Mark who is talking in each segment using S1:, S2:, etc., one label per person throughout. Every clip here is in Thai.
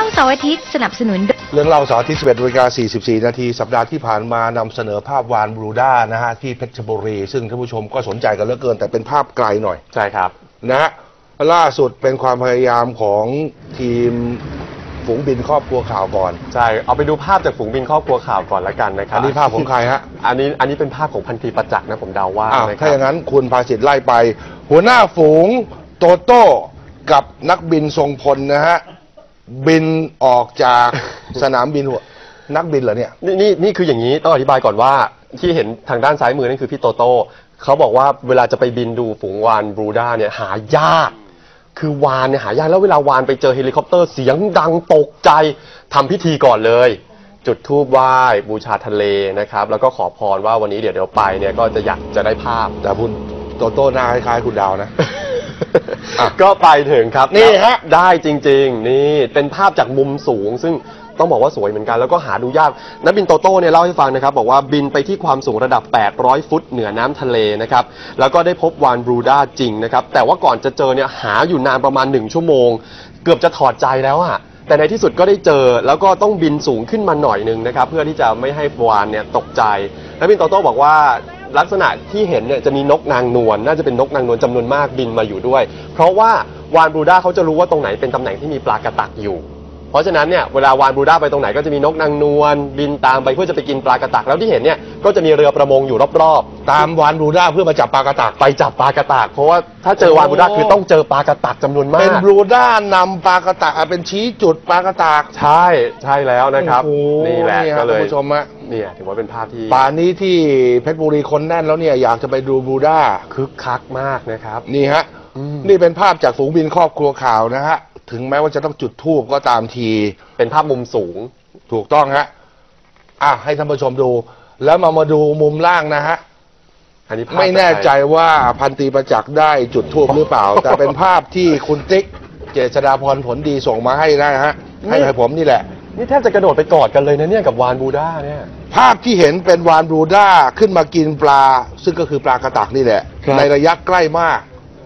S1: าเสาร์อาทิตย์สนับสนุน
S2: เรื่องเล่าเสาร์อาทิตย์ 11:44 นาทีสัปดาห์ที่ผ่านมานำเสนอภาพวานบรูด้านะฮะที่เพชรบุรีซึ่งท่านผู้ชมก็สนใจกันเหลือเกินแต่เป็นภาพไกลหน่อย
S3: ใช่ครับ
S2: นะฮะล่าสุดเป็นความพยายามของทีมฝูงบินครอบครัวข่าวก่อน
S3: ใช่เอาไปดูภาพจากฝูงบินครอบครัวข่าวก่อนละกันนะครับ
S2: อันนี้ภาพของใครฮะ
S3: อันนี้เป็นภาพของพันตรีประจักษ์นะผมเดาว่า
S2: ถ้าอย่างนั้นคุณภาสิทธิ์ไล่ไปหัวหน้าฝูงโตโต้กับนักบินทรงพลนะฮะบินออกจากสนามบินนักบินเหรอเนี่ย
S3: นี่คืออย่างนี้ต้องอธิบายก่อนว่าที่เห็นทางด้านซ้ายมือนั่นคือพี่โตโต้เขาบอกว่าเวลาจะไปบินดูฝูงวานบรูด้าเนี่ยหายากคือวานเนี่ยหายากแล้วเวลาวานไปเจอเฮลิคอปเตอร์เสียงดังตกใจทำพิธีก่อนเลยจุดธูปไหว้บูชาทะเลนะครับแล้วก็ขอพรว่าวันนี้เดี๋ยวไปเนี่ยก็จะอยากจะได้ภาพ
S2: แต่คุณโตโต้หน้าคล้ายๆคุณดาวนะ
S3: ก็ไปถึงครับนี่ฮะได้จริงๆนี่เป็นภาพจากมุมสูงซึ่งต้องบอกว่าสวยเหมือนกันแล้วก็หาดูยากนักบินโตโต้เนี่ยเล่าให้ฟังนะครับบอกว่าบินไปที่ความสูงระดับ800ฟุตเหนือน้ำทะเลนะครับแล้วก็ได้พบวานบรูด้าจริงนะครับแต่ว่าก่อนจะเจอเนี่ยหาอยู่นานประมาณ1 ชั่วโมงเกือบจะถอดใจแล้วอะแต่ในที่สุดก็ได้เจอแล้วก็ต้องบินสูงขึ้นมาหน่อยนึงนะครับเพื่อที่จะไม่ให้วานเนี่ยตกใจนักบินโตโต้บอกว่าลักษณะที่เห็นเนี่ยจะมีนกนางนวลน่าจะเป็นนกนางนวลจำนวนมากบินมาอยู่ด้วยเพราะว่าวานบรูด้าเขาจะรู้ว่าตรงไหนเป็นตำแหน่งที่มีปลากระตักอยู่เพราะฉะนั้นเนี่ยเวลาวานบรูด้าไปตรงไหนก็จะมีนกนางนวลบินตามไปเพื่อจะไปกินปลากระตักแล้วที่เห็นเนี่ยก็จะมีเรือประมงอยู่รอบ
S2: ๆตามวานบรูด้าเพื่อมาจับปลากระตัก
S3: ไปจับปลากระตักเพราะว่าถ้าเจอวานบรูด้าคือต้องเจอปลากระตักจำนวนมาก
S2: เป็นบรูด้านำปลากระตักเป็นชี้จุดปลากระตัก
S3: ใช่แล้วนะครับนี่แหละก็เลย
S2: ท่านผู้ชมฮะ
S3: เนี่ยถือว่าเป็นภาพที่
S2: ป่านี้ที่เพชรบุรีคนแน่นแล้วเนี่ยอยากจะไปดูบรูด้า
S3: คึกคักมากนะครับ
S2: นี่ฮะนี่เป็นภาพจากฝูงบินครอบครัวข่าวนะฮะถึงแม้ว่าจะต้องจุดธูปก็ตามที
S3: เป็นภาพมุมสูง
S2: ถูกต้องฮะให้ท่านผู้ชมดูแล้วมาดูมุมล่างนะฮะ
S3: อันนี้
S2: ไม่แน่ใจว่าพันตรีประจักษ์ได้จุดธูปหรือเปล่าแต่เป็นภาพที่คุณติ๊กเจษฎาพรผลดีส่งมาให้นะฮะให้ผมนี่แหละ
S3: นี่แทบจะกระโดดไปกอดกันเลยนะเนี่ยกับวานบรูด้าเนี่ย
S2: ภาพที่เห็นเป็นวานบรูด้าขึ้นมากินปลาซึ่งก็คือปลากระตักนี่แหละในระยะใกล้มาก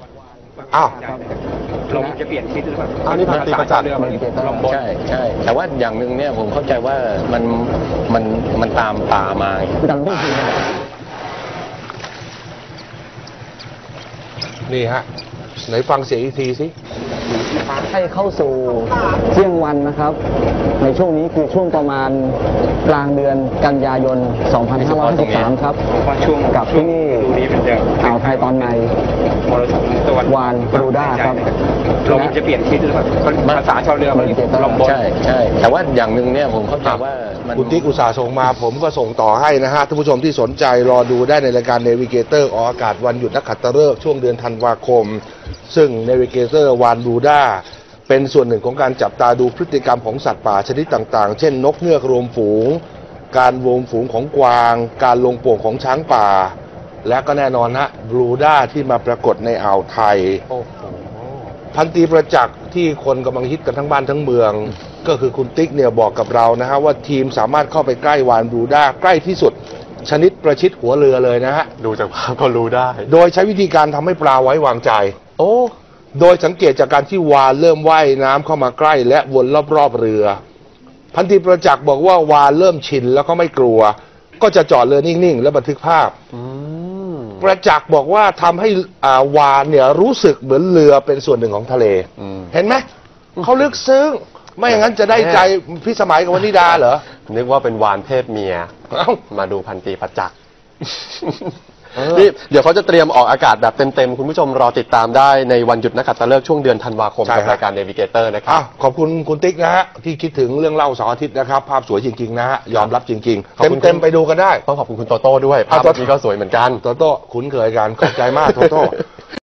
S4: ลมจะเปลี่ยนทิศหรือเปล่า
S3: นี่พันตรีประจักษ์
S4: ใช่แต่ว่าอย่างหนึ่งเนี่ยผมเข้าใจว่ามันตามป่ามาดังไม่ดี
S2: นี่ฮะไหนฟังเสียงอีกทีสิ
S4: ให้เข้าสู่เที่ยงวันนะครับในช่วงนี้คือช่วงประมาณกลางเดือนกันยายน 2553 ครับกับที่นี่อ่าวไทยตอนในวานบรูด้าครับ
S5: ลมจะเปลี่ยนทิศหรือเปล่าภาษาชาวเรือมันลมบน
S4: ใช่แต่ว่าอย่างหนึ่งเนี่ยผมเข้าใจว่า
S2: คุณติ๊กอุตสาห์ส่งมาผมก็ส่งต่อให้นะฮะท่านผู้ชมที่สนใจรอดูได้ในรายการเนวิเกเตอร์ออกอากาศวันหยุดนักขัตฤกษ์ช่วงเดือนธันวาคมซึ่งเนวิเกเตอร์วานบรูด้าเป็นส่วนหนึ่งของการจับตาดูพฤติกรรมของสัตว์ป่าชนิดต่างๆเช่นนกเงือกรวมฝูงการรวมฝูงของกวางการลงโป่งของช้างป่าและก็แน่นอนฮะบรูด้าที่มาปรากฏในอ่าวไทยพันตรีประจักษ์ที่คนกำลังฮิตกันทั้งบ้านทั้งเมืองก็คือคุณติ๊กเนี่ยบอกกับเรานะฮะว่าทีมสามารถเข้าไปใกล้วานบรูด้าใกล้ที่สุดชนิดประชิดหัวเรือเลยนะฮะ
S3: ดูจากภาพก็รู้ได้
S2: โดยใช้วิธีการทำให้ปลาไว้วางใจโดยสังเกตจากการที่วาฬเริ่มว่ายน้ำเข้ามาใกล้และวนรอบๆเรือพันตรีประจักษ์บอกว่าวาฬเริ่มชินแล้วก็ไม่กลัวก็จะจอดเรือนิ่งๆและบันทึกภาพประจักษ์บอกว่าทำให้วาฬเนี่ยรู้สึกเหมือนเรือเป็นส่วนหนึ่งของทะเลเห็นไหมเขาลึกซึ้งไม่อย่างนั้นจะได้ใจพิสมัยกับวนิดาเหรอ
S3: นึกว่าเป็นวานเพศเมียมาดูพันตรีประจักษ์นี่เดี๋ยวเขาจะเตรียมออกอากาศแบบเต็มๆคุณผู้ชมรอติดตามได้ในวันหยุดนักขัตฤกษ์ช่วงเดือนธันวาคมกับรายการเนวิเกเตอร์นะครับ
S2: ขอบคุณคุณติ๊กนะฮะที่คิดถึงเรื่องเล่าเสาร์อาทิตย์นะครับภาพสวยจริงๆนะฮะยอมรับจริงๆเต็มไปดูกันได้
S3: ต้องขอบคุณคุณโตโต้ด้วยภาพนี้ก็สวยเหมือนกัน
S2: โตโต้คุ้นเคยกันขอบใจมากโตโต้